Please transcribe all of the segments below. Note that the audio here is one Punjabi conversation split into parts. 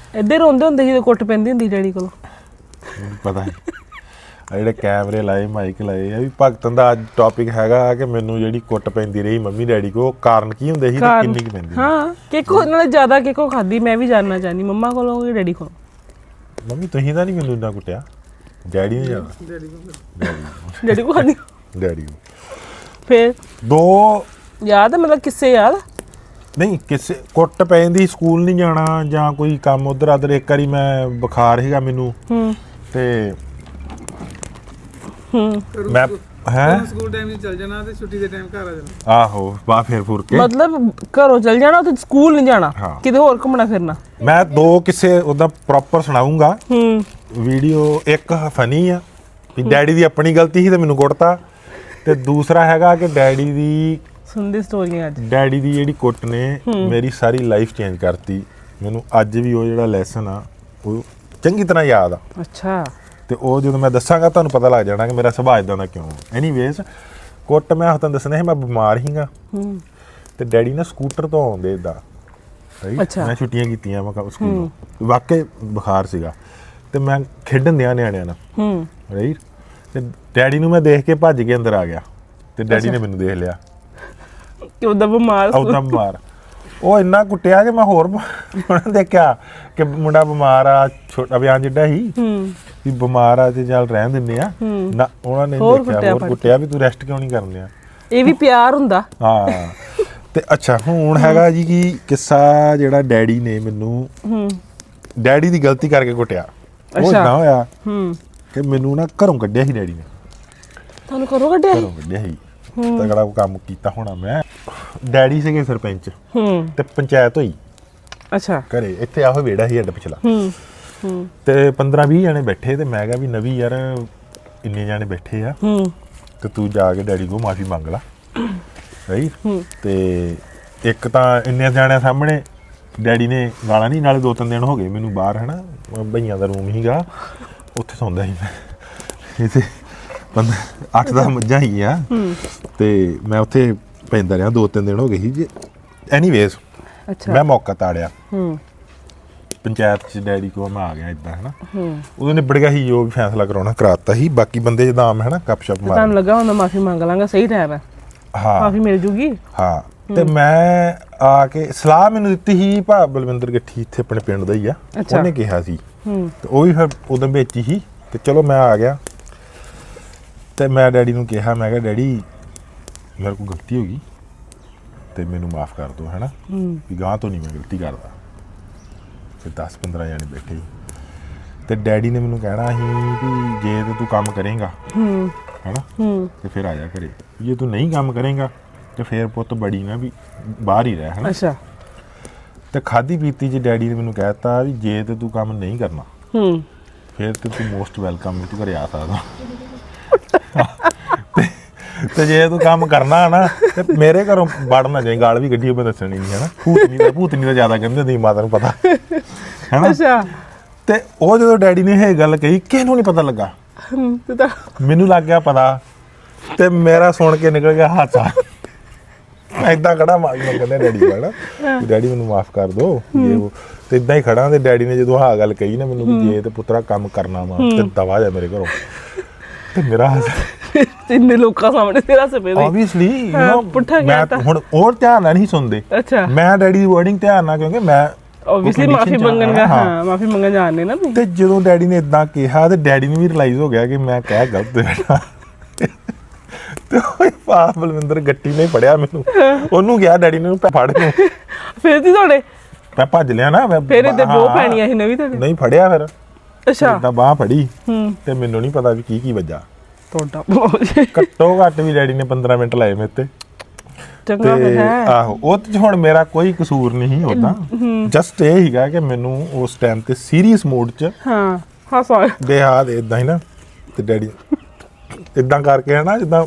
ਇੱਧੇ ਰੋਂਦੇ ਹੁੰਦੇ ਜਦੋਂ ਕੁੱਟ ਪੈਂਦੀ ਹੁੰਦੀ ਡੈਡੀ ਕੋਲੋਂ। ਪਤਾ ਨਹੀਂ ਜਿਹੜੇ ਕੈਮਰੇ ਲਾਏ ਮਾਈਕ ਲਾਏ ਆ ਵੀ ਭਗਤਨ ਦਾ ਅੱਜ ਟੌਪਿਕ ਹੈਗਾ ਕਿ ਮੈਨੂੰ ਜਿਹੜੀ ਕੁੱਟ ਪੈਂਦੀ ਰਹੀ ਮੰਮੀ ਡੈਡੀ ਕੋ ਕਾਰਨ ਕੀ ਹੁੰਦੇ ਸੀ ਤੇ ਕਿੰਨੀ ਕੁ ਪੈਂਦੀ। ਹਾਂ ਕਿਕੋ ਨਾਲੇ ਜ਼ਿਆਦਾ ਕਿਕੋ ਖਾਦੀ ਮੈਂ ਵੀ ਜਾਣਨਾ ਚਾਹਨੀ ਮੰਮਾ ਕੋਲੋਂ ਕਿ ਡੈਡੀ ਕੋਲੋਂ। ਮੰਮੀ ਤੁਸੀਂ ਤਾਂ ਨਹੀਂ ਮੈਨੂੰ ਇੰਨਾ ਕੁੱਟਿਆ, ਡੈਡੀ ਨੇ ਜ਼ਿਆਦਾ। ਡੈਡੀ ਕੋ ਖਾਦੀ ਡੈਡੀ ਨੂੰ ਫਿਰ ਦੋ ਯਾਦ ਮਤਲਬ ਕਿਸੇ ਯਾਦ ਨਹੀਂ ਕਿਸੇ ਕੁੱਟ ਪੈਂਦੀ ਸਕੂਲ ਨਹੀਂ ਜਾਣਾ ਜਾਂ ਕੋਈ ਕੰਮ ਉਧਰ ਆਦਰ। ਇੱਕ ਵਾਰੀ ਮੈਂ ਬੁਖਾਰ ਸੀਗਾ ਮੈਨੂੰ ਤੇ ਮੈਂ ਸਕੂਲ ਟਾਈਮ 'ਚ ਚੱਲ ਜਾਣਾ ਤੇ ਛੁੱਟੀ ਦੇ ਟਾਈਮ ਘਰ ਆ ਜਾਣਾ। ਆਹੋ ਬਾਹ ਫੇਰ ਫੁਰ ਕੇ ਮਤਲਬ ਘਰੋਂ ਚੱਲ ਜਾਣਾ ਤੇ ਸਕੂਲ ਨਹੀਂ ਜਾਣਾ, ਕਿਤੇ ਹੋਰ ਘੁੰਮਣਾ ਫਿਰਨਾ। ਮੈਂ ਦੋ ਕਿਸੇ ਉਹਦਾ ਪ੍ਰੋਪਰ ਸੁਣਾਉਂਗਾ ਵੀਡੀਓ। ਇੱਕ ਫਨੀ ਆ ਵੀ ਡੈਡੀ ਦੀ ਆਪਣੀ ਗਲਤੀ ਸੀ ਤੇ ਮੈਨੂੰ ਕੁੱਟਤਾ, ਤੇ ਦੂਸਰਾ ਹੈਗਾ ਕਿ ਡੈਡੀ ਦੀ ਸੁਣਦੀ ਸਟੋਰੀਆਂ ਅੱਜ। ਡੈਡੀ ਦੀ ਜਿਹੜੀ ਕੁੱਟ ਨੇ ਮੇਰੀ ਸਾਰੀ ਲਾਈਫ ਚੇਂਜ ਕਰਤੀ। ਮੈਨੂੰ ਅੱਜ ਵੀ ਉਹ ਜਿਹੜਾ ਲੈਸਨ ਆ ਉਹ ਚੰਗੀ ਤਰ੍ਹਾਂ ਯਾਦ ਆ। ਅੱਛਾ। ਤੇ ਉਹ ਜਦੋਂ ਮੈਂ ਦੱਸਾਂਗਾ ਤੁਹਾਨੂੰ ਪਤਾ ਲੱਗ ਜਾਣਾ ਕਿ ਮੇਰਾ ਸੁਭਾਅ ਇਦਾਂ ਦਾ ਕਿਉਂ। ਐਨੀਵੇਜ਼ ਕੁੱਟ ਮੈਂ ਤੁਹਾਨੂੰ ਦੱਸਣਾ ਸੀ, ਮੈਂ ਬਿਮਾਰ ਸੀਗਾ ਤੇ ਡੈਡੀ ਨਾ ਸਕੂਟਰ ਤੋਂ ਆਉਂਦੇ ਇਦਾਂ। ਮੈਂ ਛੁੱਟੀਆਂ ਕੀਤੀਆਂ ਮੈਂ ਸਕੂਲ, ਵਾਕਈ ਬੁਖਾਰ ਸੀਗਾ ਤੇ ਮੈਂ ਖੇਡਣ ਦਿਆਂ ਨਿਆਣਿਆਂ ਨਾਲ ਰਾਈਟ। ਤੇ ਡੈਡੀ ਨੂੰ ਮੈਂ ਦੇਖ ਕੇ ਭੱਜ ਕੇ ਅੰਦਰ ਆ ਗਿਆ ਤੇ ਡੈਡੀ ਨੇ ਮੈਨੂੰ ਦੇਖ ਲਿਆ ਕਿ ਉਹਦਾ ਬਿਮਾਰ ਉਹ ਇੰਨਾ ਕੁੱਟਿਆ ਕਿ ਮੈਂ ਹੋਰ ਉਹਨਾਂ ਦੇਖਿਆ ਕਿ ਮੁੰਡਾ ਬਿਮਾਰ ਆ, ਛੋਟਾ ਬਿਆਨ ਜਿੱਡਾ ਸੀ ਵੀ ਬਿਮਾਰ ਆ ਤੇ ਚੱਲ ਰਹਿਣ ਦਿੰਦੇ ਆ ਨਾ। ਉਹਨਾਂ ਨੇ ਦੇਖਿਆ ਹੋਰ ਕੁੱਟਿਆ ਵੀ ਤੂੰ ਰੈਸਟ ਕਿਉਂ ਨਹੀਂ ਕਰਨਿਆ। ਇਹ ਵੀ ਪਿਆਰ ਹੁੰਦਾ। ਹਾਂ। ਤੇ ਅੱਛਾ ਹੁਣ ਹੈਗਾ ਜੀ ਕਿ ਕਿੱਸਾ ਜਿਹੜਾ ਡੈਡੀ ਨੇ ਮੈਨੂੰ ਡੈਡੀ ਦੀ ਗਲਤੀ ਕਰਕੇ ਕੁੱਟਿਆ। ਉਹ ਨਾ ਹੋਇਆ ਕਿ ਮੈਨੂੰ ਨਾ ਘਰੋਂ ਕੱਢਿਆ ਸੀ ਡੈਡੀ ਨੇ। ਤੁਹਾਨੂੰ ਘਰੋਂ ਕੱਢਿਆ ਸੀ ਤਗੜਾ ਕੰਮ ਕੀਤਾ ਹੋਣਾ ਮੈਂ। ਡੈਡੀ ਸੀਗੇ ਸਰਪੰਚ ਤੇ ਪੰਚਾਇਤ ਹੋਈ। ਅੱਛਾ। ਘਰੇ ਇੱਥੇ ਆਹੋ ਵਿਹੜਾ ਸੀ ਅੱਡ ਪਿਛਲਾ ਤੇ 15-20 ਜਣੇ ਬੈਠੇ ਤੇ ਮੈਂ ਕਿਹਾ ਵੀ ਨਵੀਂ ਯਾਰ ਇੰਨੇ ਜਣੇ ਬੈਠੇ ਆ ਤੇ ਤੂੰ ਜਾ ਕੇ ਡੈਡੀ ਕੋਲ ਮਾਫੀ ਮੰਗ ਲਾ ਰਾਈਟ। ਤੇ ਇੱਕ ਤਾਂ ਇੰਨੇ ਜਣਿਆਂ ਸਾਹਮਣੇ ਡੈਡੀ ਨੇ ਗਾਲਾਂ ਨਹੀਂ, ਨਾਲੇ 2-3 ਦਿਨ ਹੋ ਗਏ ਮੈਨੂੰ ਬਾਹਰ ਹਨਾ ਭਈਆਂ ਦਾ ਰੂਮ ਸੀਗਾ ਉੱਥੇ ਸੌਂਦਾ ਸੀ ਮੈਂ। ਇੱਥੇ 8-10 ਮੱਝਾਂ ਸੀਗੀਆਂ ਤੇ ਮੈਂ ਉੱਥੇ ਪੈਂਦਾ ਰਿਹਾ 2-3 ਦਿਨ ਹੋ ਗਏ ਸੀ। ਐਨੀਵੇਜ਼ ਮੈਂ ਮੌਕਾ ਤਾੜਿਆ ਪੰਚਾਇਤ 'ਚ ਡੈਡੀ ਕੋਲ ਮੈਂ ਆ ਗਿਆ ਇੱਦਾਂ ਹਨਾ। ਉਦੋਂ ਨਿਬੜ ਗਿਆ ਸੀ ਜੋ ਵੀ ਫੈਸਲਾ ਕਰਾਉਣਾ ਕਰਾਤਾ ਸੀ। ਬਾਕੀ ਬੰਦੇ ਜਿੱਦਾਂ ਆਮ ਹੈ ਨਾ ਗੱਪ ਸ਼ੱਪ ਮਾਰ ਤੁਹਾਨੂੰ ਲੱਗਾ ਹੁੰਦਾ ਮਾਫੀ ਮੰਗ ਲਾਂਗਾ ਸਹੀ ਟਾਈਮ ਹੈ। ਹਾਂ ਮਾਫੀ ਮਿਲ ਜੂਗੀ। ਹਾਂ ਤੇ ਮੈਂ ਆ ਕੇ ਸਲਾਹ ਮੈਨੂੰ ਦਿੱਤੀ ਸੀ ਭਾ ਬਲਵਿੰਦਰ ਗੱਠੀ ਇੱਥੇ ਆਪਣੇ ਪਿੰਡ ਦਾ ਹੀ ਆ, ਉਹਨੇ ਕਿਹਾ ਸੀ ਤੇ ਉਹ ਵੀ ਫਿਰ ਉਦੋਂ ਵਿੱਚ ਹੀ ਸੀ। ਤੇ ਚਲੋ ਮੈਂ ਆ ਗਿਆ ਤੇ ਮੈਂ ਡੈਡੀ ਨੂੰ ਕਿਹਾ ਮੈਂ ਕਿਹਾ ਡੈਡੀ ਮੇਰੇ ਕੋਲ ਗਲਤੀ ਹੋ ਗਈ ਤੇ ਮੈਨੂੰ ਮਾਫ ਕਰ ਦਿਓ ਹੈ ਨਾ ਵੀ ਗਾਂ ਤੋਂ ਨਹੀਂ ਮੈਂ ਗਲਤੀ ਕਰਦਾ। ਤੇ 10-15 ਜਣੇ ਬੈਠੇ ਤੇ ਡੈਡੀ ਨੇ ਮੈਨੂੰ ਕਹਿਣਾ ਸੀ ਵੀ ਜੇ ਤੇ ਤੂੰ ਕੰਮ ਕਰੇਗਾ ਹੈ ਨਾ ਤੇ ਫਿਰ ਆ ਜਾ ਘਰੇ, ਜੇ ਤੂੰ ਨਹੀਂ ਕੰਮ ਕਰੇਗਾ ਤੇ ਫਿਰ ਪੁੱਤ ਬੜੀ ਨਾ ਵੀ ਬਾਹਰ ਹੀ ਰਹਿ ਹੈ ਨਾ। ਅੱਛਾ। ਤੇ ਖਾਦੀ ਪੀਤੀ 'ਚ ਡੈਡੀ ਨੇ ਮੈਨੂੰ ਕਹਿ ਦਿੱਤਾ ਵੀ ਜੇ ਤੇ ਤੂੰ ਕੰਮ ਨਹੀਂ ਕਰਨਾ ਫਿਰ ਤੇ ਤੂੰ ਮੋਸਟ ਵੈਲਕਮ ਤੂੰ ਘਰੇ ਆ ਸਕਦਾ ਤੇ ਜੇ ਤੂੰ ਕੰਮ ਕਰਨਾ ਨਾ ਤੇ ਮੇਰੇ ਘਰੋਂ ਵੜਨਾ ਚਾਹੀਦਾ। ਗਾਲ ਵੀ ਗੱਡੀ ਮੈਂ ਦੱਸਣੀ ਨਹੀਂ ਹੈ ਨਾ। ਭੂਤਨੀ ਦਾ ਜ਼ਿਆਦਾ ਕਹਿੰਦੇ ਹੁੰਦੀ ਮਾਤਾ ਨੂੰ ਪਤਾ ਹੈ ਨਾ। ਅੱਛਾ। ਤੇ ਉਹ ਜਦੋਂ ਡੈਡੀ ਨੇ ਇਹ ਗੱਲ ਕਹੀ ਕਿਸੇ ਨੂੰ ਨਹੀਂ ਪਤਾ ਲੱਗਾ, ਮੈਨੂੰ ਲੱਗ ਗਿਆ ਪਤਾ ਤੇ ਮੇਰਾ ਸੁਣ ਕੇ ਨਿਕਲ ਗਿਆ ਹਾਸਾ। ਮੈਂ ਏਦਾਂ ਖੜਾ ਮਾਰੀ ਕਹਿੰਦਾ ਡੈਡੀ ਕੋਲ ਨਾ ਡੈਡੀ ਮੈਨੂੰ ਮਾਫ ਕਰ ਦਿਓ ਜੇ ਉਹ ਤੇ ਏਦਾਂ ਹੀ ਖੜਾ। ਤੇ ਡੈਡੀ ਨੇ ਜਦੋਂ ਆਹ ਗੱਲ ਕਹੀ ਨਾ ਮੈਨੂੰ ਵੀ ਜੇ ਤੇ ਪੁੱਤਰਾ ਕੰਮ ਕਰਨਾ ਵਾ ਤੇ ਦਵਾ ਜਾ ਮੇਰੇ ਘਰੋਂ ਤੇ ਮੇਰਾ ਇੰਨੇ ਲੋਕਾਂ ਸਾਹਮਣੇ ਤੇਰਾ ਸਪੇਦ ਆਬਵੀਅਸਲੀ ਪੁੱਠਾ ਗਿਆ ਤਾਂ ਹੁਣ ਹੋਰ ਧਿਆਨ ਨਾਲ ਨਹੀਂ ਸੁਣਦੇ। ਅੱਛਾ। ਮੈਂ ਡੈਡੀ ਦੀ ਵਰਡਿੰਗ ਧਿਆਨ ਨਾਲ ਕਿਉਂਕਿ ਮੈਂ ਆਬਵੀਅਸਲੀ ਮਾਫੀ ਮੰਗਣ ਜਾਣੇ ਨਾ ਤੇ ਜਦੋਂ ਡੈਡੀ ਨੇ ਇਦਾਂ ਕਿਹਾ ਤੇ ਡੈਡੀ ਨੂੰ ਵੀ ਰਿਅਲਾਈਜ਼ ਹੋ ਗਿਆ ਕਿ ਮੈਂ ਕਹਿ ਗਲਤ ਬੈਠਾ ਤੇ ਉਹ ਪਾ ਬਲਵਿੰਦਰ ਗੱਟੀ ਨੇ ਫੜਿਆ ਮੈਨੂੰ, ਉਹਨੂੰ ਗਿਆ ਡੈਡੀ ਨੇ ਫੜ ਨੂੰ ਫਿਰ ਤੀ ਤੁਹਾਡੇ ਮੈਂ ਭੱਜ ਲਿਆ ਨਾ ਫਿਰ ਇਹਦੇ ਬਹੁਤ ਪੈਣੀਆਂ ਸੀ ਨਵੀਂ ਤੁਹਾਡੇ ਨਹੀਂ ਫੜਿਆ ਫਿਰ। ਅੱਛਾ। ਇਦਾਂ ਬਾਹ ਫੜੀ ਤੇ ਮੈਨੂੰ ਨਹੀਂ ਪਤਾ ਵੀ ਕੀ ਵੱਜਾ ਤੁਹਾਡਾ ਘੱਟੋ ਘੱਟ ਵੀ ਡੈਡੀ ਨੇ 15 ਮਿੰਟ ਲਾਏ ਮੇਰੇ ਤੇ। ਚੰਗਾ ਹੈ ਆਹੋ ਉਹ ਤੇ ਹੁਣ ਮੇਰਾ ਕੋਈ ਕਸੂਰ ਨਹੀਂ ਹੁੰਦਾ, ਜਸਟ ਇਹ ਹੀਗਾ ਕਿ ਮੈਨੂੰ ਉਸ ਟਾਈਮ ਤੇ ਸੀਰੀਅਸ ਮੂਡ 'ਚ ਹਾਸਾ ਬੇਹਾਦ ਇਦਾਂ ਹੀ ਨਾ ਤੇ ਡੈਡੀ ਇਦਾਂ ਕਰਕੇ ਹੈ ਨਾ ਜਿੱਦਾਂ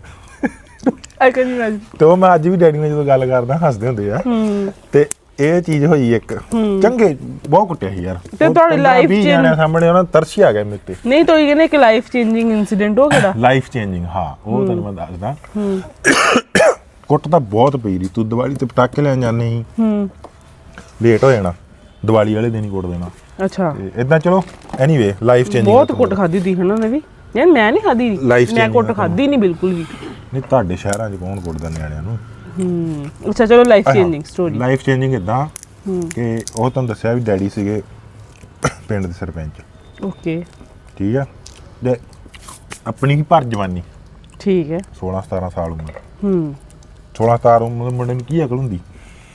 ਤੇ ਉਹ ਮੈਂ ਅੱਜ ਵੀ ਡੈਡੀ ਨਾਲ ਜਦੋਂ ਗੱਲ ਕਰਦਾ ਹੱਸਦੇ ਹੁੰਦੇ ਆ। ਤੇ ਇਹ ਚੀਜ਼ ਹੋਈ ਇੱਕ ਚੰਗੇ ਬਹੁਤ ਕੁੱਟਿਆ ਸੀ ਯਾਰ ਤੇ ਤੁਹਾਡੀ ਲਾਈਫ ਚ ਸਾਹਮਣੇ ਉਹਨਾਂ ਤਰਸ ਆ ਗਿਆ ਮੇਰੇ ਤੇ। ਨਹੀਂ ਤਾਂ ਇਹ ਕਹਿੰਦੇ ਇੱਕ ਲਾਈਫ ਚੇਂਜਿੰਗ ਇਨਸੀਡੈਂਟ ਹੋ ਗਿਆ। ਲਾਈਫ ਚੇਂਜਿੰਗ ਹਾਂ ਉਹ ਤੁਹਾਨੂੰ ਮੈਂ ਦੱਸਦਾ। ਕੁੱਟ ਤਾਂ ਬਹੁਤ ਪਈ ਰਹੀ। ਤੂੰ ਦੀਵਾਲੀ ਤੇ ਪਟਾਕੇ ਲੈਣ ਜਾਂਦੇ ਸੀ ਲੇਟ ਹੋ ਜਾਣਾ ਦੀਵਾਲੀ ਵਾਲੇ ਦਿਨ ਹੀ ਕੁੱਟ ਦੇਣਾ। ਅੱਛਾ ਤੇ ਇਦਾਂ ਚਲੋ ਐਨੀਵੇ ਲਾਈਫ ਚੇਂਜਿੰਗ ਬਹੁਤ ਕੁੱਟ ਖਾਦੀ ਦੀ ਉਹਨਾਂ ਨੇ ਵੀ ਯਾਰ ਮੈਂ ਨਹੀਂ ਖਾਦੀ Life ਮੈਂ changing ਕੁੱਟ ਖਾਦੀ ਨਹੀਂ ਬਿਲਕੁਲ ਵੀ ਨਹੀਂ ਤੁਹਾਡੇ ਸ਼ਹਿਰਾਂ 'ਚ ਕੌਣ ਕੁੱਟਦਾ ਨਿਆਣਿਆਂ ਨੂੰ। ਅੱਛਾ ਚਲੋ life changing story life changing ਇਦਾਂ ਕਿ ਉਹ ਤੁਹਾਨੂੰ ਦੱਸਿਆ ਵੀ ਡੈਡੀ ਸੀਗੇ ਪਿੰਡ ਦੇ ਸਰਪੰਚ। ਓਕੇ ਠੀਕ ਆ ਤੇ ਆਪਣੀ ਹੀ ਭਰ ਜਵਾਨੀ ਠੀਕ ਹੈ 16-17 ਸਾਲ ਉਮਰ 16-17 ਉਮਰ ਮੁੰਡੇ ਨੂੰ ਕੀ ਅਕਲ ਹੁੰਦੀ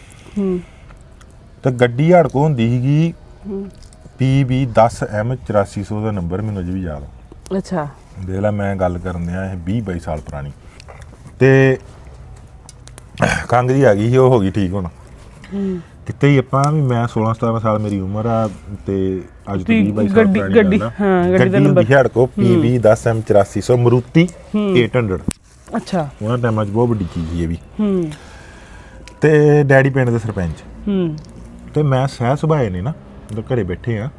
ਤੇ ਗੱਡੀ ਹੜਕੋ ਹੁੰਦੀ ਸੀਗੀ PB 10M 8400 ਦਾ ਨੰਬਰ ਮੈਨੂੰ ਅਜੇ ਵੀ ਯਾਦ ਆ। ਅੱਛਾ ਦੇਖ ਲੈ ਮੈਂ ਗੱਲ ਕਰਨ ਦਿਆਂ ਇਹ 20-22 ਸਾਲ ਪੁਰਾਣੀ ਤੇ ਖੰਘ ਜੀ ਆ ਗਈ ਸੀ ਉਹ ਹੋ ਗਈ ਠੀਕ ਹੁਣ ਕਿਤੇ ਹੀ ਆਪਾਂ ਵੀ ਮੈਂ 16-17 ਸਾਲ ਮੇਰੀ ਉਮਰ ਆ ਤੇ ਅੱਜ ਤੋਂ 20-22 ਸਾਲ ਪੁਰਾਣੀ ਗੱਡੀ ਹਾਂ ਗੱਡੀ ਦਾ ਨੰਬਰ ਹੜਕੋ PB 10M 8400 ਮਰੂਤੀ 800 ਅੱਛਾ ਉਹਨਾਂ ਟਾਈਮਾਂ 'ਚ ਬਹੁਤ ਵੱਡੀ ਚੀਜ਼ ਸੀ ਇਹ ਵੀ ਤੇ ਡੈਡੀ ਪਿੰਡ ਦੇ ਸਰਪੰਚ ਤੇ ਮੈਂ ਸਹਿ ਸੁਭਾਏ ਨੇ ਨਾ ਜਦੋਂ ਘਰੇ ਬੈਠੇ ਆ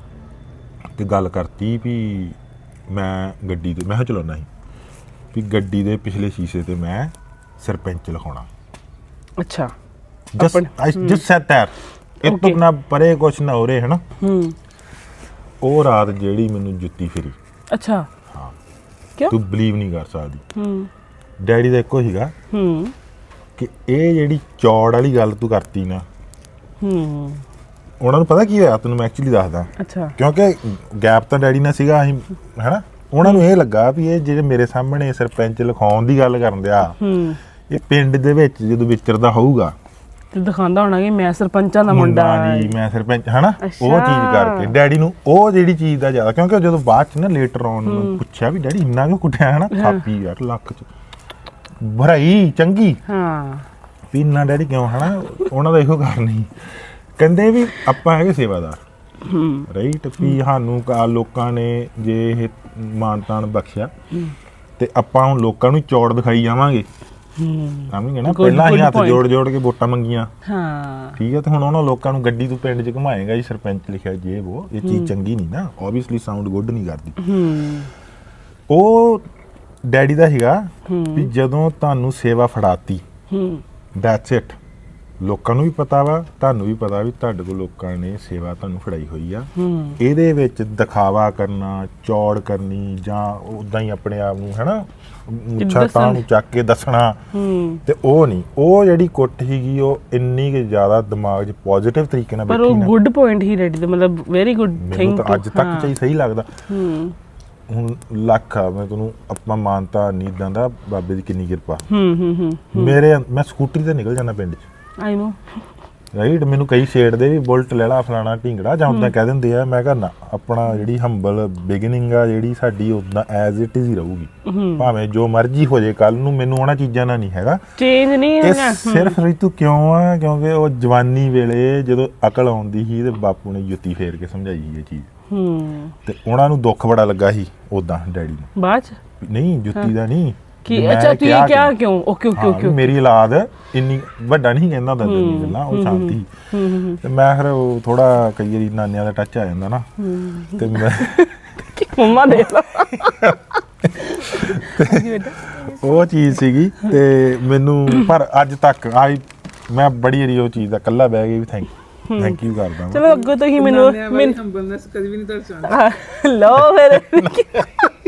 ਤੇ ਗੱਲ ਕਰਤੀ ਵੀ ਮੈਂ ਗੱਡੀ ਤੇ ਮੈਂ ਕਿਹਾ ਚਲਾਉਣਾ ਸੀ ਵੀ ਗੱਡੀ ਦੇ ਪਿਛਲੇ ਸ਼ੀਸ਼ੇ ਤੇ ਮੈਂ ਸਰਪੰਚ ਲਿਖਾਉਣਾ। ਅੱਛਾ ਜਸਟ ਸੈਟ ਦੈਟ ਇਹ ਤੋਂ ਨਾ ਪਰੇ ਕੁਛ ਨਾ ਹੋ ਰਿਹਾ ਹੈ ਨਾ ਉਹ ਰਾਤ ਜਿਹੜੀ ਮੈਨੂੰ ਜੁੱਤੀ ਫਿਰੀ। ਅੱਛਾ ਹਾਂ ਕਿਉਂ ਤੂੰ ਬਲੀਵ ਨਹੀਂ ਕਰ ਸਕਦੀ ਡੈਡੀ ਦਾ ਇੱਕੋ ਸੀਗਾ ਕਿ ਇਹ ਜਿਹੜੀ ਚੌੜ ਵਾਲੀ ਗੱਲ ਤੂੰ ਕਰਤੀ ਨਾ ਉਹਨਾਂ ਨੂੰ ਪਤਾ ਕੀ ਹੋਇਆ ਤੈਨੂੰ ਮੈਂ ਐਕਚੁਅਲੀ ਦੱਸਦਾ। ਅੱਛਾ ਕਿਉਂਕਿ ਗੈਪ ਤਾਂ ਡੈਡੀ ਨਾਲ ਸੀਗਾ ਅਸੀਂ ਹੈਨਾ ਉਹਨਾਂ ਨੂੰ ਇਹ ਲੱਗਾ ਵੀ ਇਹ ਜਿਹੜੇ ਮੇਰੇ ਸਾਹਮਣੇ ਸਰਪੰਚ ਲਿਖਾਉਣ ਦੀ ਗੱਲ ਕਰਨ ਦਿਆ ਇਹ ਪਿੰਡ ਦੇ ਵਿੱਚ ਜਦੋਂ ਵਿਚਰਦਾ ਹੋਊਗਾ ਤੇ ਦਿਖਾਉਂਦਾ ਹੋਣਾ ਕਿ ਮੈਂ ਸਰਪੰਚਾਂ ਦਾ ਮੁੰਡਾ ਜੀ ਮੈਂ ਸਰਪੰਚ ਹਨਾ ਉਹ ਚੀਜ਼ ਕਰਕੇ ਡੈਡੀ ਨੂੰ ਉਹ ਜਿਹੜੀ ਚੀਜ਼ ਦਾ ਜ਼ਿਆਦਾ ਕਿਉਂਕਿ ਜਦੋਂ ਬਾਅਦ ਚ ਨਾ ਲੇਟਰ ਆਨ ਨੂੰ ਪੁੱਛਿਆ ਵੀ ਡੈਡੀ ਇੰਨਾ ਕਿਉਂ ਕੁੱਟਿਆ ਹਨਾ ਥਾਪੀ ਯਾਰ ਲੱਕ ਚ ਭਰਾਈ ਚੰਗੀ ਹਾਂ ਵੀ ਇੰਨਾ ਡੈਡੀ ਕਿਉਂ ਹਨਾ ਉਹਨਾਂ ਦਾ ਇਹੋ ਕਾਰਨ ਨਹੀਂ ਕਹਿੰਦੇ ਵੀ ਆਪਾਂ ਹੈਗੇ ਸੇਵਾਦਾਰ ਰਾਈਟ ਵੀ ਸਾਨੂੰ ਲੋਕਾਂ ਨੇ ਜੇ ਇਹ ਮਾਨਤਾਨ ਬਖਸ਼ਿਆ ਤੇ ਆਪਾਂ ਹੁਣ ਲੋਕਾਂ ਨੂੰ ਚੌੜ ਦਿਖਾਈ ਜਾਵਾਂਗੇ ਸਮਝ ਗਏ ਨਾ ਪਹਿਲਾਂ ਹੀ ਹੱਥ ਜੋੜ ਕੇ ਵੋਟਾਂ ਮੰਗੀਆਂ ਹਾਂ ਠੀਕ ਹੈ ਤੇ ਹੁਣ ਉਹਨਾਂ ਲੋਕਾਂ ਨੂੰ ਗੱਡੀ ਤੋਂ ਪਿੰਡ 'ਚ ਘੁਮਾਏਗਾ ਜੀ ਸਰਪੰਚ ਲਿਖਿਆ ਜੇ ਇਹ ਚੀਜ਼ ਚੰਗੀ ਨਹੀਂ ਨਾ ਓਬਵੀਅਸਲੀ ਸਾਊਂਡ ਗੁੱਡ ਨਹੀਂ ਕਰਦੀ ਉਹ ਡੈਡੀ ਦਾ ਹੈਗਾ ਵੀ ਜਦੋਂ ਤੁਹਾਨੂੰ ਸੇਵਾ ਫੜਾਤੀ ਦੈਟਸ ਇਟ ਲੋਕਾਂ ਨੂੰ ਵੀ ਪਤਾ ਵਾ ਤੁਹਾਨੂੰ ਵੀ ਪਤਾ ਵੀ ਤੁਹਾਡੇ ਕੋਲ ਲੋਕਾਂ ਨੇ ਸੇਵਾ ਤੁਹਾਨੂੰ ਫੜਾਈ ਹੋਈ ਆ ਇਹਦੇ ਵਿੱਚ ਦਿਖਾਵਾ ਕਰਨਾ ਚੌੜ ਕਰਨੀ ਜਾਂ ਉਦਾਂ ਹੀ ਆਪਣੇ ਆਪ ਨੂੰ ਹੈਨਾ ਮੁੱਛਾਂ ਤਾਂ ਨੂੰ ਚੱਕ ਕੇ ਦੱਸਣਾ ਤੇ ਉਹ ਨਹੀਂ ਉਹ ਜਿਹੜੀ ਕੁੱਟ ਸੀਗੀ ਉਹ ਇੰਨੀ ਕਿ ਜ਼ਿਆਦਾ ਦਿਮਾਗ 'ਚ ਪੋਜ਼ਿਟਿਵ ਤਰੀਕੇ ਨਾਲ ਪਰ ਉਹ ਗੁੱਡ ਪੁਆਇੰਟ ਹੀ ਰੈਡੀ ਦਾ ਮਤਲਬ ਵੈਰੀ ਗੁੱਡ ਥਿੰਗ ਤਾਂ ਅੱਜ ਤੱਕ ਚਾਹੀ ਸਹੀ ਲੱਗਦਾ ਹੁਣ ਲੱਖ ਆ ਮੈਂ ਤੁਹਾਨੂੰ ਆਪਾਂ ਮਾਨਤਾ ਨਹੀਂ ਦਿੰਦਾ ਬਾਬੇ ਦੀ ਕਿੰਨੀ ਕਿਰਪਾ ਮੈਂ ਸਕੂਟਰੀ ਤੇ ਨਿਕਲ ਜਾਂਦਾ ਪਿੰਡ 'ਚ ਆਈ ਨੋ ਰਾਈਟ ਮੈਨੂੰ ਕਈ ਛੇੜਦੇ ਵੀ ਬੁਲਟ ਲੈ ਲਾ ਫਲਾਣਾ ਢਿੰਗੜਾ ਜਾਂ ਉਦਾਂ ਕਹਿ ਦਿੰਦੇ ਆ ਮੈਂ ਕਹਿੰਦਾ ਆਪਣਾ ਜਿਹੜੀ ਹੰਬਲ ਬਿਗਨਿੰਗ ਆ ਜਿਹੜੀ ਸਾਡੀ ਉਦਾਂ ਐਜ਼ ਇਟ ਇਜ਼ ਹੀ ਰਹੂਗੀ ਭਾਵੇਂ ਜੋ ਮਰਜ਼ੀ ਹੋ ਜੇ ਕੱਲ ਨੂੰ ਮੈਨੂੰ ਉਹਨਾਂ ਚੀਜ਼ਾਂ ਨਾਲ ਨਹੀਂ ਹੈਗਾ ਚੇਂਜ ਨਹੀਂ ਹੈਗਾ ਸਿਰਫ ਰੀਤੂ ਕਿਉਂ ਆ ਕਿਉਂਕਿ ਉਹ ਜਵਾਨੀ ਵੇਲੇ ਜਦੋਂ ਅਕਲ ਆਉਂਦੀ ਸੀ ਤੇ ਬਾਪੂ ਨੇ ਜੁੱਤੀ ਫੇਰ ਕੇ ਸਮਝਾਈ ਇਹ ਚੀਜ਼ ਤੇ ਉਹਨਾਂ ਨੂੰ ਦੁੱਖ ਬੜਾ ਲੱਗਾ ਸੀ ਉਦਾਂ ਡੈਡੀ ਨੂੰ ਬਾਅਦ ਚ ਨਹੀਂ ਜੁੱਤੀ ਦਾ ਨਹੀਂ ਕਿ ਅੱਛਾ ਤੂੰ ਇਹ ਕਿਹਾ ਕਿਉਂ ਓਕੇ ਓਕੇ ਓਕੇ ਮੇਰੀ ਔਲਾਦ ਇੰਨੀ ਵੱਡਾ ਨਹੀਂ ਕਹਿੰਦਾ ਹੁੰਦਾ ਤੈਨੂੰ ਗੱਲਾਂ ਉਹ ਸ਼ਾਂਤੀ ਤੇ ਮੈਂ ਫਿਰ ਉਹ ਥੋੜਾ ਕਈ ਵਾਰੀ ਨਾਨਿਆਂ ਦਾ ਟੱਚ ਆ ਜਾਂਦਾ ਨਾ ਤੇ ਮੈਂ ਮੰਮਾ ਦੇ ਉਹ ਚੀਜ਼ ਸੀਗੀ ਤੇ ਮੈਨੂੰ ਪਰ ਅੱਜ ਤੱਕ ਮੈਂ ਬੜੀ ਵਾਰੀ ਉਹ ਚੀਜ਼ ਦਾ ਇਕੱਲਾ ਬਹਿ ਕੇ ਵੀ ਥੈਂਕ ਯੂ ਕਰਦਾ ਚਲੋ ਅੱਗੋਂ ਤੋਂ ਹੀ ਮੈਨੂੰ ਹੰਬਲਨੈਸ ਕਦੀ ਵੀ ਨਹੀਂ ਦਰਸਾਉਂਦਾ ਲੋ ਫਿਰ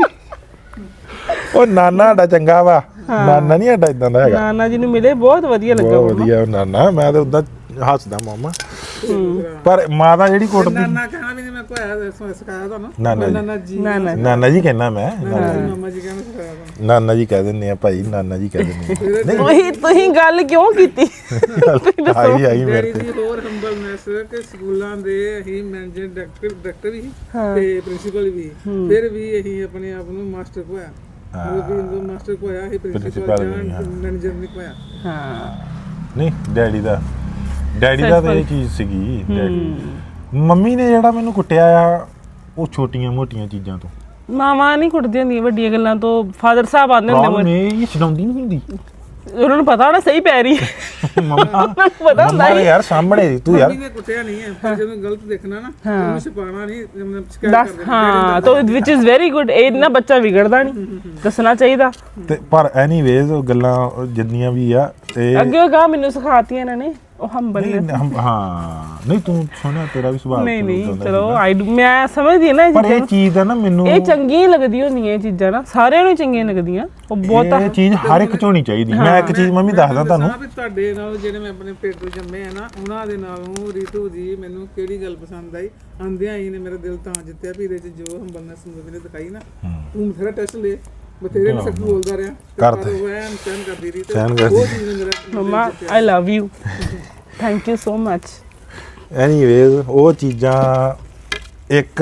ਉਹ ਨਾਨਾ ਸਾਡਾ ਚੰਗਾ ਵਾ ਨਾਨਾ ਨਹੀਂ ਸਾਡਾ ਇਦਾਂ ਦਾ ਹੈਗਾ ਨਾਨਾ ਜੀ ਨੂੰ ਮਿਲੇ ਬਹੁਤ ਵਧੀਆ ਲੱਗਾ ਬਹੁਤ ਵਧੀਆ ਨਾਨਾ ਮੈਂ ਤਾਂ ਉਦਾਂ ਹੱਸਦਾ ਮਾਮਾ ਪਰ ਮਾਤਾ ਜਿਹੜੀ ਕੁੱਟਦੀ ਨਾਨਾ ਕਹਿਣਾ ਵੀ ਨਹੀਂ ਮੈਂ ਕੋਈ ਸਿਖਾਇਆ ਤੁਹਾਨੂੰ ਨਾਨਾ ਜੀ ਕਹਿਣਾ ਮੈਂ ਮਾਮਾ ਜੀ ਕਹਿਣਾ ਸਿਖਾਇਆ ਤੁਹਾਨੂੰ ਨਾਨਾ ਜੀ ਕਹਿ ਦਿੰਦੇ ਆ ਭਾਈ ਨਾਨਾ ਜੀ ਕਹਿ ਦਿੰਦੇ ਆ ਤੁਸੀਂ ਗੱਲ ਕਿਉਂ ਕੀਤੀ ਆਈ ਮੇਰੇ ਤੇ ਹੋਰ ਹੰਬਲਨੈਸ ਕਿ ਸਕੂਲਾਂ ਦੇ ਅਸੀਂ ਮੈਨੇਜਰ ਡਾਇਰੈਕਟਰ ਵੀ ਤੇ ਪ੍ਰਿੰਸੀਪਲ ਵੀ ਫਿਰ ਵੀ ਅਸੀਂ ਆਪਣੇ ਆਪ ਨੂੰ ਮਾਸਟਰ ਕੋਇਆ ਮਾਸਟਰ ਕੋਇਆ ਇਹ ਪ੍ਰਿੰਸੀਪਲ ਮੈਨੇਜਰ ਨਹੀਂ ਕੋਇਆ ਹਾਂ ਨਹੀਂ ਡੈਡੀ ਦਾ ਤਾਂ ਇਹ ਚੀਜ਼ ਸੀਗੀ ਮੰਮੀ ਨੇ ਜਿਹੜਾ ਮੈਨੂੰ ਕੁੱਟਿਆ ਆ ਉਹ ਛੋਟੀਆਂ ਮੋਟੀਆਂ ਚੀਜ਼ਾਂ ਤੋਂ ਮਾਵਾਂ ਨਹੀਂ ਕੁੱਟਦੀਆਂ ਹੁੰਦੀਆਂ ਵੱਡੀਆਂ ਗੱਲਾਂ ਤੋਂ ਫਾਦਰ ਸਾਹਿਬ ਆਉਂਦੇ ਹੁੰਦੇ ਮੈਂ ਇਹ ਛਡਾਉਂਦੀ ਨਹੀਂ ਹੁੰਦੀ ਉਹਨਾਂ ਨੂੰ ਪਤਾ ਹੋਣਾ ਸਹੀ ਪੈ ਰਹੀ ਮੰਮਾ ਪਤਾ ਹੁੰਦਾ ਯਾਰ ਸਾਹਮਣੇ ਤੂੰ ਯਾਰ ਮੰਮੀ ਨੇ ਕੁੱਟਿਆ ਨਹੀਂ ਹੈ ਪਰ ਜਦੋਂ ਗਲਤ ਦੇਖਣਾ ਨਾ ਉਹਨੂੰ ਛਪਾਣਾ ਨਹੀਂ ਸ਼ਿਕਾਇਤ ਕਰਦੇ ਹਾਂ ਤਾਂ ਵਿਚ ਇਜ਼ ਵੈਰੀ ਗੁੱਡ ਇਹ ਨਾ ਬੱਚਾ ਵਿਗੜਦਾ ਨਹੀਂ ਦੱਸਣਾ ਚਾਹੀਦਾ ਤੇ ਪਰ ਐਨੀਵੇਜ਼ ਉਹ ਗੱਲਾਂ ਜਿੰਨੀਆਂ ਵੀ ਆ ਤੇ ਅੱਗੇ ਉਹ ਗਾ ਮੈਨੂੰ ਸਿਖਾਤੀਆਂ ਇਹਨਾਂ ਨੇ ਉਹ ਹੰਬਲ ਹਾਂ ਨਹੀਂ ਤੂੰ ਸੋਹਣਾ ਤੇਰਾ ਵੀ ਸੁਭਾਅ ਨਹੀਂ ਤੂੰ ਨਹੀਂ ਉੱਦਾਂ ਦਾ ਚਲੋ ਸੀਗਾ। ਮੈਂ ਸਮਝਦੀ ਹਾਂ ਨਾ ਇਹ ਪਰ ਇਹ ਚੀਜ਼ਾਂ ਚੀਜ਼ ਦਾ ਨਾ ਮੈਨੂੰ ਇਹ ਚੰਗੀਆਂ ਲੱਗਦੀਆਂ ਹੁੰਦੀਆਂ ਇਹ ਚੀਜ਼ਾਂ ਨਾ ਸਾਰਿਆਂ ਨੂੰ ਚੰਗੀਆਂ ਲੱਗਦੀਆਂ ਉਹ ਬਹੁਤ ਇਹ ਚੀਜ਼ ਹਰ ਇੱਕ ਚ ਹੋਣੀ ਚਾਹੀਦੀ ਮੈਂ ਇੱਕ ਚੀਜ਼ ਮੰਮੀ ਦੱਸਦਾ ਤੁਹਾਨੂੰ ਵੀ ਤੁਹਾਡੇ ਨਾਲ ਜਿਹੜੇ ਮੈਂ ਆਪਣੇ ਪੇਟ ਤੋਂ ਜੰਮੇ ਆ ਨਾ ਉਹਨਾਂ ਦੇ ਨਾਲੋਂ ਰੀਤੂ ਜੀ ਮੈਨੂੰ ਕਿਹੜੀ ਗੱਲ ਪਸੰਦ ਆਈ ਆਂਦਿਆਂ ਹੀ ਨੇ ਮੇਰਾ ਦਿਲ ਤਾਂ ਜਿੱਤਿਆ ਵੀ ਇਹਦੇ ਚ ਜੋ ਹੰਬਲਨੈਸ ਮੈਨੂੰ ਦਿਖਾਈ ਨਾ ਤੂੰ ਬਥੇਰਾ ਟੈਸਟ ਲੈ ਬਥੇਰੇ ਮੈਂ ਸੱਚ ਬੋਲਦਾ ਰਿਹਾ ਕਰਦੇ। ਉਹ ਐਨ ਸਹਿਨ ਕਰਦੀ ਰਹੀ ਤੇ ਸਹਿਨ ਕਰਦੀ। ਉਹ ਚੀਜ਼ ਨੇ ਮੇਰਾ ਮਮਾ I love you thank you so much anyways ਉਹ ਚੀਜ਼ਾਂ ਇੱਕ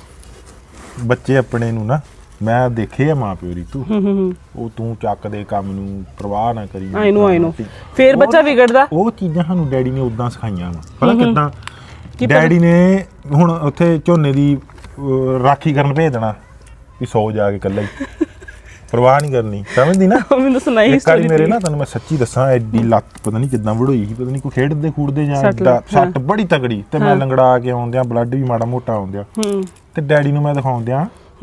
ਬੱਚੇ ਆਪਣੇ ਨੂੰ ਨਾ ਮੈਂ ਦੇਖੇ ਆ ਮਾਂ ਪਿਓ ਰੀਤੂ ਉਹ ਤੂੰ ਚੱਕ ਦੇ ਕੰਮ ਨੂੰ ਪਰਵਾਹ ਨਾ ਕਰੀ ਆਈ ਨੋ ਫੇਰ ਬੱਚਾ ਵਿਗੜਦਾ ਉਹ ਚੀਜ਼ਾਂ ਸਾਨੂੰ ਡੈਡੀ ਨੇ ਉਦਾਂ ਸਿਖਾਈਆਂ ਵਾ ਪਤਾ ਕਿੱਦਾਂ ਡੈਡੀ ਨੇ ਹੁਣ ਉੱਥੇ ਝੋਨੇ ਦੀ ਰਾਖੀ ਕਰਨ ਭੇਜ ਦੇਣਾ ਵੀ ਸੌ ਜਾ ਕੇ ਇਕੱਲਾ ਹੀ ਪਰਵਾਹ ਨਹੀਂ ਕਰਨੀ ਸਮਝਦੀ ਨਾ ਮੈਨੂੰ ਸੁਣਾਈ ਇੱਕ ਵਾਰੀ ਮੇਰੇ ਨਾ ਤੁਹਾਨੂੰ ਮੈਂ ਸੱਚੀ ਦੱਸਾਂ ਐਡੀ ਲੱਤ ਪਤਾ ਨਹੀਂ ਕਿੱਦਾਂ ਵੜੋਈ ਸੀ ਪਤਾ ਨਹੀਂ ਕੋਈ ਖੇਡਦੇ ਖੂਡਦੇ ਜਾਂ ਸੱਟ ਬੜੀ ਤਗੜੀ ਤੇ ਮੈਂ ਲੰਗੜਾ ਕੇ ਆਉਂਦਿਆਂ ਬਲੱਡ ਵੀ ਮਾੜਾ ਮੋਟਾ ਆਉਂਦਿਆਂ ਤੇ ਡੈਡੀ ਨੂੰ ਮੈਂ ਦਿਖਾਉਂਦਿਆਂ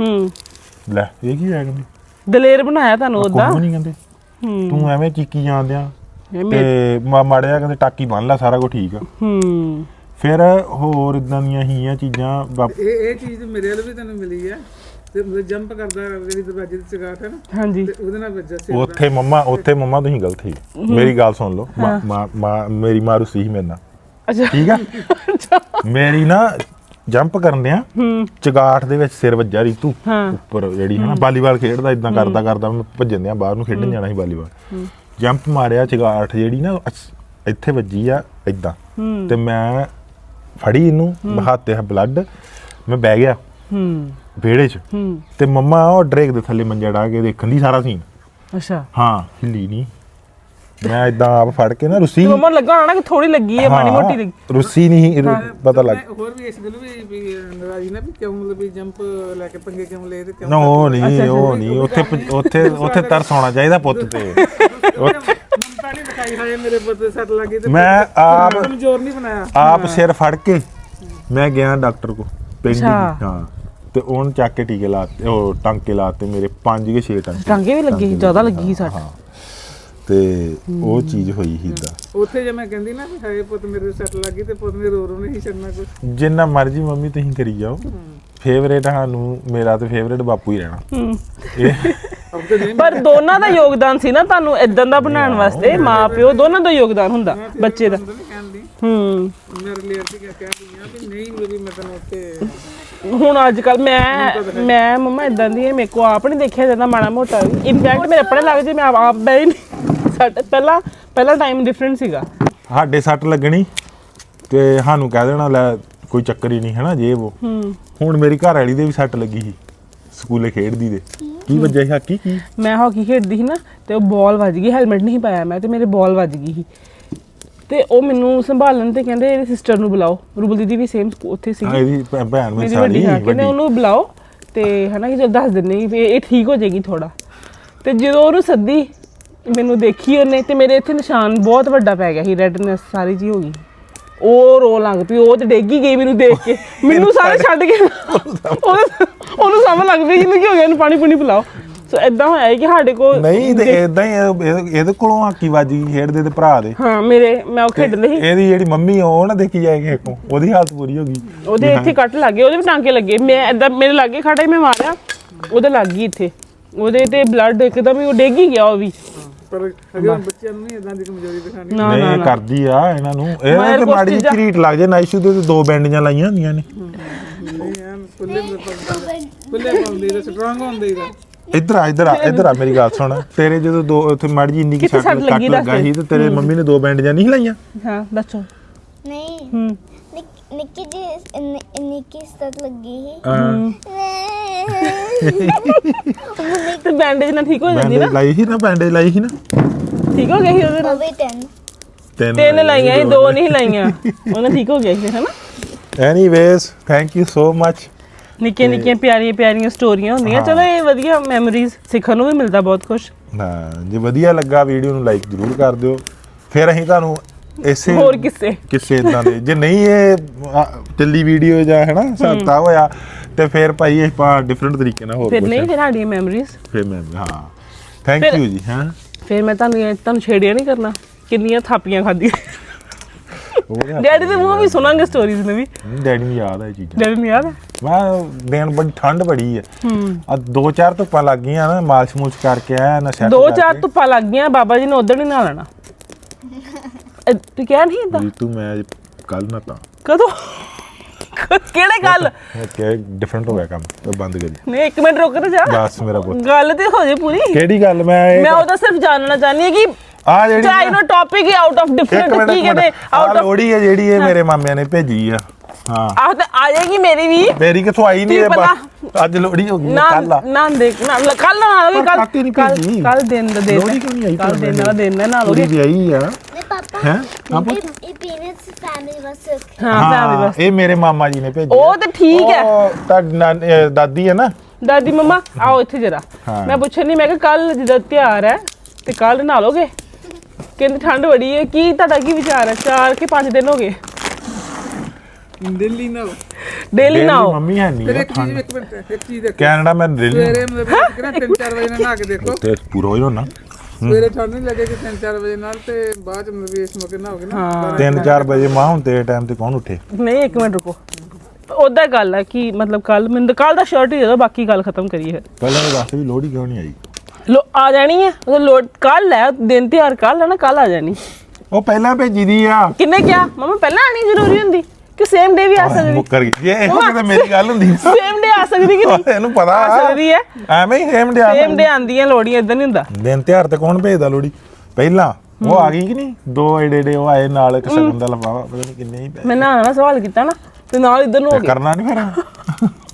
ਲੈ ਇਹ ਕੀ ਹੈ ਕਹਿੰਦੇ ਦਲੇਰ ਬਣਾਇਆ ਤੁਹਾਨੂੰ ਉਹਦਾ ਕੋਈ ਨਹੀਂ ਕਹਿੰਦੇ ਤੂੰ ਐਵੇਂ ਚੀਕੀ ਜਾਂਦਿਆਂ ਤੇ ਮਾੜਿਆ ਕਹਿੰਦੇ ਟਾਕੀ ਬੰਨ ਲੈ ਸਾਰਾ ਕੁਝ ਠੀਕ ਆ ਫਿਰ ਹੋਰ ਇਦਾਂ ਦੀਆਂ ਹੀ ਆ ਚੀਜ਼ਾਂ ਇਹ ਚੀਜ਼ ਮੇਰੇ ਵੱਲ ਵੀ ਤੈਨੂੰ ਮਿਲੀ ਹੈ ਤੇ ਜੰਪ ਕਰਦਾ ਜਿਹੜੀ ਦਰਵਾਜ਼ੇ ਤੇ ਚਗਾਟ ਹੈ ਨਾ ਹਾਂਜੀ ਤੇ ਉਹਦੇ ਨਾਲ ਵੱਜਾ ਸੀ ਉੱਥੇ ਮੰਮਾ ਤੁਸੀਂ ਗਲਤ ਸੀ ਮੇਰੀ ਗੱਲ ਸੁਣ ਲਓ ਮੇਰੀ ਮਾਂ ਰੁੱਸੀ ਸੀ ਮੇਰੇ ਨਾਲ ਅੱਛਾ ਠੀਕ ਆ ਮੇਰੀ ਨਾ ਜੰਪ ਕਰਦਿਆਂ ਚਗਾਠ ਦੇ ਵਿੱਚ ਸਿਰ ਵੱਜਾ ਰੀਤੂ ਉੱਪਰ ਜਿਹੜੀ ਹੈ ਨਾ ਵਾਲੀਬਾਲ ਖੇਡਦਾ ਇਦਾਂ ਕਰਦਾ ਮੈਂ ਭੱਜਣ ਦਿਆਂ ਬਾਹਰ ਨੂੰ ਖੇਡਣ ਜਾਣਾ ਸੀ ਵਾਲੀਬਾਲ ਜੰਪ ਮਾਰਿਆ ਚਗਾਠ ਜਿਹੜੀ ਨਾ ਇੱਥੇ ਵੱਜੀ ਆ ਇਦਾਂ ਤੇ ਮੈਂ ਫੜੀ ਇਹਨੂੰ ਹੱਥ ਤੇ ਬਲੱਡ ਮੈਂ ਬਹਿ ਗਿਆ ਵਿਹੜੇ 'ਚ ਤੇ ਮੰਮਾ ਉਹ ਡਰੇਕ ਦੇ ਥੱਲੇ ਮੰਜਾ ਡਾ ਕੇ ਦੇਖਣ ਦੀ ਸਾਰਾ ਸੀਨ ਅੱਛਾ ਹਾਂ ਹਿੱਲੀ ਨਹੀਂ ਮੈਂ ਇਦਾਂ ਆਪ ਫੜ ਕੇ ਨਾ ਰੁੱਸੀ ਮੰਮਾ ਲੱਗਾ ਹੋਣਾ ਕਿ ਥੋੜੀ ਲੱਗੀ ਹੈ ਮਾੜੀ ਮੋਟੀ ਲੱਗੀ ਰੁੱਸੀ ਨਹੀਂ ਪਤਾ ਲੱਗ ਹੋਰ ਵੀ ਇਸ ਗੱਲ ਵੀ ਨਰਾਜ਼ੀ ਨਾ ਵੀ ਕਿਉਂ ਮਤਲਬ ਵੀ ਜੰਪ ਲੈ ਕੇ ਪੰਗੇ ਕਿਉਂ ਲਏ ਤੇ ਕਿਉਂ ਨਾ ਉਹ ਨਹੀਂ ਉੱਥੇ ਤਰਸ ਆਉਣਾ ਚਾਹੀਦਾ ਪੁੱਤ ਤੇ ਮਮਤਾ ਨਹੀਂ ਦਿਖਾਈ ਹਾਏ ਮੇਰੇ ਪੁੱਤ ਦੇ ਸੱਟ ਲੱਗੀ ਤੇ ਮੈਂ ਆਪ ਕਮਜ਼ੋਰ ਨਹੀਂ ਬਣਾਇਆ ਆਪ ਸਿਰ ਫੜ ਕੇ ਮੈਂ ਗਿਆ ਡਾਕਟਰ ਕੋ ਪਿੰਡ ਹਾਂ ਤੇ ਉਹਨ ਚੱਕ ਕੇ ਟੀਕੇ ਲਾਤੇ ਉਹ ਟਾਂਕੇ ਲਾਤੇ ਮੇਰੇ 5 ਕੇ 6 ਟਾਂਕੇ ਵੀ ਲੱਗੇ ਸੀ ਜ਼ਿਆਦਾ ਲੱਗੀ ਸੀ ਸੱਟ ਤੇ ਉਹ ਚੀਜ਼ ਹੋਈ ਸੀ ਇਦਾਂ ਉੱਥੇ ਜੇ ਮੈਂ ਕਹਿੰਦੀ ਨਾ ਵੀ ਹਾਏ ਪੁੱਤ ਮੇਰੇ ਸੱਟ ਲੱਗੀ ਤੇ ਪੁੱਤ ਨੇ ਰੋ ਨਹੀਂ ਛੱਡਣਾ ਕੁਝ ਜਿੰਨਾ ਮਰਜ਼ੀ ਮੰਮੀ ਤੁਸੀਂ ਕਰੀ ਜਾਓ ਫੇਵਰੇਟ ਸਾਨੂੰ ਮੇਰਾ ਤੇ ਫੇਵਰੇਟ ਬਾਪੂ ਹੀ ਰਹਿਣਾ ਪਰ ਦੋਨਾਂ ਦਾ ਯੋਗਦਾਨ ਸੀ ਨਾ ਤੁਹਾਨੂੰ ਇਦਾਂ ਦਾ ਬਣਾਉਣ ਵਾਸਤੇ ਮਾਂ ਪਿਓ ਦੋਨਾਂ ਦਾ ਯੋਗਦਾਨ ਹੁੰਦਾ ਬੱਚੇ ਦਾ ਮੇਰੇ ਲਈ ਅਸੀਂ ਕਹਿੰਦੀ ਆ ਵੀ ਨਹੀਂ ਵੀ ਮੈਂ ਤੈਨੂੰ ਉੱਥੇ ਹੁਣ ਅੱਜ ਕੱਲ ਮੈਂ ਮੰਮਾ ਇਦਾਂ ਦੀ ਮੇਰੇ ਕੋ ਆਪ ਨਹੀਂ ਦੇਖਿਆ ਜਾਂਦਾ ਮਾੜਾ ਮੋਟਾ ਵੀ ਇਨਫੈਕਟ ਮੇਰੇ ਆਪਣੇ ਲੱਗ ਜੇ ਮੈਂ ਆਪ ਬੈ ਨਹੀਂ ਸਾਡੇ ਪਹਿਲਾ ਟਾਈਮ ਡਿਫਰੈਂਟ ਸੀਗਾ ਸਾਡੇ ਸੱਟ ਲੱਗਣੀ ਤੇ ਸਾਨੂੰ ਕਹਿ ਦੇਣਾ ਲੈ ਕੋਈ ਚੱਕਰ ਹੀ ਨਹੀਂ ਹੈ ਨਾ ਜੇ ਉਹ ਹੁਣ ਮੇਰੀ ਘਰ ਵਾਲੀ ਦੇ ਵੀ ਸੱਟ ਲੱਗੀ ਸੀ ਸਕੂਲੇ ਖੇਡਦੀ ਦੇ ਕੀ ਵੱਜਿਆ ਸੀ ਹਾਕੀ ਕੀ ਮੈਂ ਹਾਕੀ ਖੇਡਦੀ ਸੀ ਨਾ ਤੇ ਉਹ ਬਾਲ ਵੱਜ ਗਈ ਹੈਲਮਟ ਨਹੀਂ ਪਾਇਆ ਮੈਂ ਤੇ ਮੇਰੇ ਬਾਲ ਵੱਜ ਗਈ ਸੀ ਤੇ ਉਹ ਮੈਨੂੰ ਸੰਭਾਲਣ ਤੇ ਕਹਿੰਦੇ ਇਹਦੀ ਸਿਸਟਰ ਨੂੰ ਬੁਲਾਓ ਰੂਬਲ ਦੀਦੀ ਵੀ ਸੇਮ ਉੱਥੇ ਸੀਗੀ ਇਹਦੀ ਭੈਣ ਮੇਰੀ ਸਾਰੀ ਵੱਡੀ ਕਹਿੰਦੇ ਉਹਨੂੰ ਬੁਲਾਓ ਤੇ ਹਨਾ ਕਿ ਜਦ ਦੱਸ ਦਿੰਦੇ ਵੀ ਇਹ ਠੀਕ ਹੋ ਜਾਏਗੀ ਥੋੜਾ ਤੇ ਜਦੋਂ ਉਹਨੂੰ ਸੱਦੀ ਮੈਨੂੰ ਦੇਖੀ ਉਹਨੇ ਤੇ ਮੇਰੇ ਇੱਥੇ ਨਿਸ਼ਾਨ ਬਹੁਤ ਵੱਡਾ ਪੈ ਗਿਆ ਸੀ ਰੈਡਨੈਸ ਸਾਰੀ ਜੀ ਹੋ ਗਈ ਉਹ ਰੋ ਲੱਗ ਪਈ ਉਹ ਤੇ ਡੇਗੀ ਗਈ ਮੈਨੂੰ ਦੇਖ ਕੇ ਮੈਨੂੰ ਸਾਰੇ ਛੱਡ ਕੇ ਉਹਨੂੰ ਸਮਝ ਲੱਗ ਪਈ ਕਿ ਕੀ ਹੋ ਗਿਆ ਇਹਨੂੰ ਪਾਣੀ ਪੁਣੀ ਪਿਲਾਓ ਸੋ ਇਦਾਂ ਹੋਇਆ ਕਿ ਸਾਡੇ ਕੋਲ ਨਹੀਂ ਤੇ ਇਦਾਂ ਹੀ ਇਹਦੇ ਕੋਲੋਂ ਹਾਕੀ ਵੱਜ ਗਈ ਖੇਡਦੇ ਤੇ ਭਰਾ ਦੇ ਹਾਂ ਮੈਂ ਉਹ ਖੇਡਦੇ ਸੀ ਇਹਦੀ ਜਿਹੜੀ ਮੰਮੀ ਉਹ ਨਾ ਦੇਖੀ ਜਾਏ ਕਿਸੇ ਕੋ ਉਹਦੀ ਹਾਲਤ ਪੂਰੀ ਹੋ ਗਈ ਉਹਦੇ ਇੱਥੇ ਕੱਟ ਲੱਗੇ ਉਹਦੇ ਵੀ ਟਾਂਕੇ ਲੱਗੇ ਮੈਂ ਇਦਾਂ ਮੇਰੇ ਲਾਗੇ ਖੜਾ ਹੀ ਮੈਂ ਮਾਰਿਆ ਉਹਦੇ ਲੱਗ ਗਈ ਇੱਥੇ ਉਹਦੇ ਤੇ ਬਲੱਡ ਇੱਕਦਮ ਹੀ ਉਹ ਡਿੱਗ ਹੀ ਗਿਆ ਉਹ ਵੀ ਪਰ ਅਗਰ ਬੱਚਿਆਂ ਨੂੰ ਨਹੀਂ ਇਦਾਂ ਦੀ ਕਮਜ਼ੋਰੀ ਦਿਖਾਣੀ ਨਹੀਂ ਕਰਦੀ ਆ ਇਹਨਾਂ ਨੂੰ ਇਹ ਤੇ ਮਾੜੀ ਜਿਹੀ ਝਰੀਟ ਲੱਗ ਜੇ ਨਾਈਸ਼ੂ ਦੇ ਤੇ 2 ਬੈਂਡੀਆਂ ਲਾਈਆਂ ਹੁੰਦੀਆਂ ਨੇ ਨਹੀਂ ਐਨ ਫੁੱਲੇ ਪਾਉਂਦੇ ਦਾ ਸਟਰੋਂਗ ਹੁੰਦੇ ਦਾ ਇੱਧਰ ਆ ਮੇਰੀ ਗੱਲ ਸੁਣ ਤੇਰੇ ਜਦੋਂ ਦੋ ਉੱਥੇ ਮਾੜੀ ਜਿਹੀ ਇੰਨੀ ਕਿ ਸੱਟ ਲੱਗਾ ਸੀ ਤੇ ਤੇਰੇ ਮੰਮੀ ਨੇ 2 ਬੈਂਡੀਆਂ ਨਹੀਂ ਲਾਈਆਂ ਹਾਂ ਦੱਸੋ ਨਹੀਂ ਨਿੱਕੀ ਸੱਟ ਲੱਗੀ ਤੇ ਬੈਂਡੇਜ ਨਾਲ ਠੀਕ ਹੋ ਜਾਂਦੀ ਨਾ ਬੈਂਡੇਜ ਲਾਈ ਸੀ ਨਾ ਠੀਕ ਹੋ ਗਿਆ ਸੀ ਉਹਦੇ ਨਾਲ 3 ਲਾਈਆਂ 2 ਨਹੀਂ ਲਾਈਆਂ ਉਹਨਾਂ ਠੀਕ ਹੋ ਗਿਆ ਸੀ ਹਨਾ anyways thank you so much ਨਿੱਕੀਆਂ ਪਿਆਰੀਆਂ ਸਟੋਰੀਆਂ ਹੁੰਦੀਆਂ ਚਲੋ ਇਹ ਵਧੀਆ ਮੈਮਰੀਜ਼ ਸਿੱਖਣ ਨੂੰ ਵੀ ਮਿਲਦਾ ਬਹੁਤ ਕੁਝ ਹਾਂ ਜੇ ਵਧੀਆ ਲੱਗਾ ਵੀਡੀਓ ਨੂੰ ਲਾਈਕ ਜ਼ਰੂਰ ਕਰ ਦਿਓ ਫਿਰ ਅਸੀਂ ਤੁਹਾਨੂੰ ਇਸੇ ਹੋਰ ਕਿਸੇ ਇਦਾਂ ਦੇ ਜੇ ਨਹੀਂ ਇਹ ਚੱਲੀ ਵੀਡੀਓ ਜਾਂ ਹੈਨਾ ਸਾਤਾ ਹੋਇਆ ਤੇ ਫਿਰ ਭਾਈ ਆਪਾਂ ਡਿਫਰੈਂਟ ਤਰੀਕੇ ਨਾਲ ਹੋਰ ਫਿਰ ਨਹੀਂ ਫਿਰ ਸਾਡੀਆਂ ਮੈਮਰੀਜ਼ ਫਿਰ ਮੈਂ ਹਾਂ ਥੈਂਕ ਯੂ ਜੀ ਹਾਂ ਫਿਰ ਮੈਂ ਤੁਹਾਨੂੰ ਛੇੜਿਆ ਨਹੀਂ ਕਰਨਾ ਕਿੰਨੀਆਂ ਥਾਪੀਆਂ ਖਾਧੀਆਂ ਡੈਡੀ ਦੇ ਮੂੰਹੋਂ ਵੀ ਸੁਣਾਂਗੇ ਸਟੋਰੀਜ਼ ਨਵੀਂ। ਡੈਡੀ ਨੂੰ ਯਾਦ ਆ ਇਹ ਚੀਜ਼ਾਂ। ਡੈਡੀ ਨੂੰ ਯਾਦ ਹੈ? ਮੈਂ ਦਿਨ ਬੜੀ ਠੰਡ ਬੜੀ ਹੈ। ਆ 2-4 ਧੁੱਪਾਂ ਲੱਗ ਗਈਆਂ ਨਾ, ਮਾਲਸ਼ ਮੂਲਸ਼ ਕਰਕੇ ਆਇਆ ਨਾ ਸੈੱਟ 2-4 ਧੁੱਪਾਂ ਲੱਗ ਗਈਆਂ, ਬਾਬਾ ਜੀ ਨੇ ਉਧਰ ਨਹੀਂ ਨਹਾ ਲੈਣਾ। ਤੂੰ ਕਿਹਾ ਨਹੀਂ ਏਦਾਂ? ਤੂੰ ਮੈਂ ਕੱਲ ਨਾ ਤਾਂ ਕਦੋਂ? ਕਿਹੜੇ ਗੱਲ? ਕਿ ਡਿਫਰੈਂਟ ਹੋ ਗਿਆ ਕੰਮ, ਤੇ ਬੰਦ ਕਰੀ। ਨਹੀਂ 1 ਮਿੰਟ ਰੁਕ ਤੇ ਜਾ, ਬਸ ਮੇਰਾ ਪੁੱਤ ਗੱਲ ਤੇ ਹੋ ਜੇ ਪੂਰੀ। ਕਿਹੜੀ ਗੱਲ? ਮੈਂ ਉਹਦਾ ਸਿਰਫ ਜਾਣਨਾ ਚਾਹਨੀ ਹੈ ਕਿ ਆ ਜਿਹੜੀ ਚਾਹੇ ਨੋ ਟੌਪਿਕ ਹੀ ਆਊਟ ਆਫ ਡਿਫਰੈਂਟ ਕੀ ਕਹਿੰਦੇ ਆਊਟ ਆਫ ਲੋੜੀ ਹੈ ਜਿਹੜੀ ਇਹ ਮੇਰੇ ਮਾਮਿਆਂ ਨੇ ਭੇਜੀ ਆ। ਹਾਂ ਆਹ ਤੇ ਆ ਜਾਏਗੀ ਮੇਰੀ ਵੀ। ਮੇਰੀ ਕਿਥੋਂ ਆਈ ਨਹੀਂ ਅੱਜ ਲੋੜੀ ਹੋ ਗਈ ਕੱਲ ਆ ਨਾ ਦੇਖ ਨਾ ਕੱਲ ਨਾ ਆਓਗੇ ਕੱਲ ਦਿਨ ਦਾ ਦਿਨ ਲੋੜੀ ਕਿਉਂ ਨਹੀਂ ਆਈ? ਕੱਲ ਦਿਨ ਦਾ ਦਿਨ ਹੈ ਨਾ ਲੋੜੀ ਵੀ ਆਈ ਆ ਨਹੀਂ ਪਾਪਾ ਹੈ। ਇਹ ਪੀਨਟਸ ਫੈਮਿਲੀ ਵਾਸਤੇ ਹਾਂ ਫੈਮਿਲੀ ਬਸ ਇਹ ਮੇਰੇ ਮਾਮਾ ਜੀ ਨੇ ਭੇਜੀ। ਉਹ ਤੇ ਠੀਕ ਹੈ। ਤੁਹਾਡੀ ਦਾਦੀ ਹੈ ਨਾ, ਦਾਦੀ ਮਮਾ ਆਓ ਇੱਥੇ ਜਰਾ। ਮੈਂ ਪੁੱਛਣ ਨਹੀਂ, ਮੈਂ ਕਿਹਾ ਕੱਲ ਜਿਹਦਾ ਤਿਉਹਾਰ ਹੈ ਤੇ ਕੱਲ ਨਹਾ ਲੋਗੇ? ਕਹਿੰਦੇ ਠੰਡ ਬੜੀ ਹੈ। ਕੀ ਤੁਹਾਡਾ ਕੀ ਵਿਚਾਰ ਹੈ? 4 ਕਿ 5 ਦਿਨ ਹੋ ਗਏ ਦਿੱਲੀ ਨਾ ਡੇਲੀ ਨਹਾਓ। ਮੰਮੀ ਹੈ ਨਹੀਂ ਇੱਕ ਚੀਜ਼ ਦੇਖ, ਕੈਨੇਡਾ ਮੈਂ ਦਿੱਲੀ ਸਵੇਰੇ ਮਤਲਬ ਕਿ ਨਾ 3-4 ਵਜੇ ਨਾਲ ਨਹਾ ਕੇ ਦੇਖੋ, ਤੇ ਪੂਰਾ ਹੋ ਜਾਣਾ। ਸਵੇਰੇ ਠੰਡ ਨਹੀਂ ਲੱਗੇਗੀ 3-4 ਵਜੇ ਨਾਲ, ਤੇ ਬਾਅਦ ਚ ਮਤਲਬ ਇਸ ਮੌਕੇ ਨਹਾਓਗੇ ਨਾ 3-4 ਵਜੇ ਮਾਂ ਹੁਣ ਤੇਰੇ ਟਾਈਮ ਤੇ ਕੌਣ ਉੱਠੇ? ਨਹੀਂ 1 ਮਿੰਟ ਰੁਕੋ। ਉਹਦਾ ਗੱਲ ਹੈ ਕਿ ਮਤਲਬ ਕੱਲ ਮੈਨੂੰ ਕੱਲ ਦਾ ਸ਼ਰਟ ਹੀ ਦੇ ਦਿਓ, ਬਾਕੀ ਗੱਲ ਖਤਮ ਕਰੀਏ ਫਿਰ। ਪਹਿਲਾਂ ਇਹ ਦੱਸ ਵੀ ਲੋੜੀ ਕਿਉਂ ਨਹੀਂ ਆਈ? ਆ ਜਾਣੀ ਹੈ ਉਹ ਲੋਡ ਕੱਲ ਹੈ, ਦਿਨ ਤਿਉਹਾਰ ਕੱਲ ਹੈ ਨਾ, ਕੱਲ ਆ ਜਾਣੀ। ਉਹ ਪਹਿਲਾਂ ਭੇਜੀ ਦੀ ਆ। ਕਿੰਨੇ ਕਿਹਾ ਮਮਾ ਪਹਿਲਾਂ ਆਣੀ ਜ਼ਰੂਰੀ ਹੁੰਦੀ ਕਿ ਸੇਮ ਡੇ ਵੀ ਆ ਸਕਦੀ? ਮੁੱਕਰ ਗਈ ਇਹ ਕਿਤੇ ਮੇਰੀ ਗੱਲ ਹੁੰਦੀ। ਸੇਮ ਡੇ ਆ ਸਕਦੀ ਕਿ ਨਹੀਂ? ਇਹਨੂੰ ਪਤਾ ਆ ਸਕਦੀ ਹੈ। ਐਵੇਂ ਹੀ ਸੇਮ ਸੇਮ ਡੇ ਆਂਦੀਆਂ ਲੋੜੀਆਂ, ਇਦਾਂ ਨਹੀਂ ਹੁੰਦਾ। ਦਿਨ ਤਿਉਹਾਰ ਤੇ ਕੌਣ ਭੇਜਦਾ ਲੋੜੀ? ਪਹਿਲਾਂ ਉਹ ਆ ਗਈ ਕਿ ਨਹੀਂ, 2 ਏਡੇ ਉਹ ਆਏ ਨਾਲ ਇੱਕ ਸਗਨ ਦਾ ਲਫਾਫਾ, ਪਤਾ ਨਹੀਂ ਕਿੰਨੇ ਹੀ ਮੈਂ ਨਾ ਸਵਾਲ ਕੀਤਾ ਨਾ ਤੇ ਨਾਲ ਇਧਰ ਨੂੰ ਹੋ ਗਿਆ। ਕਰਨਾ ਨਹੀਂ ਫਿਰ